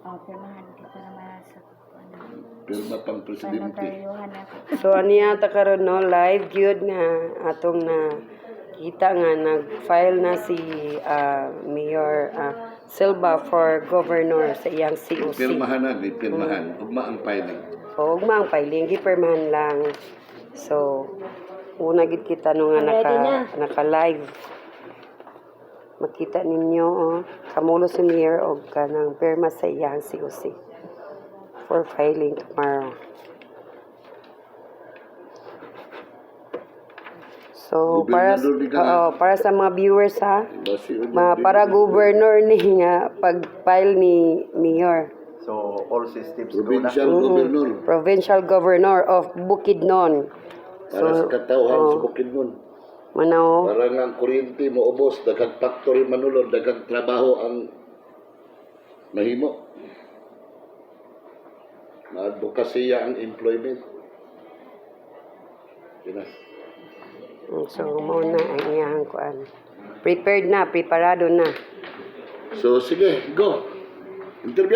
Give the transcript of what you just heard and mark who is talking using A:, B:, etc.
A: pirmahan kita naman sa
B: Pirma pang presidente.
A: panotaryuhan ako.
C: So ano yata karon no, live gyud nga atong na kita nga nag-file na si Mayor Silva for governor sa iyang COC.
B: Pirmahan na, may pirmahan. Ugma ang filing.
C: O ugma ang filing gipermahan lang. So una gid kita no nga naka-live. Makita ninyo kamulo si Mayor og kanang pirma sa iyang COC for filing tomorrow. So para sa mga viewers para governor ni nga pag-file ni Mayor.
D: So, all systems
B: Provincial governor.
C: Provincial Governor of Bukidnon.
B: Para sa katawhan sa Bukidnon.
C: Manaw.
B: Para nga ang kuryente mo ubos, daghang factory manulod, daghang trabaho ang mahimo. Maadvokasya ang employment. Yun na.
C: So muna ang iyang kuan. Prepared na, preparado na.
B: So sige, go. Interview.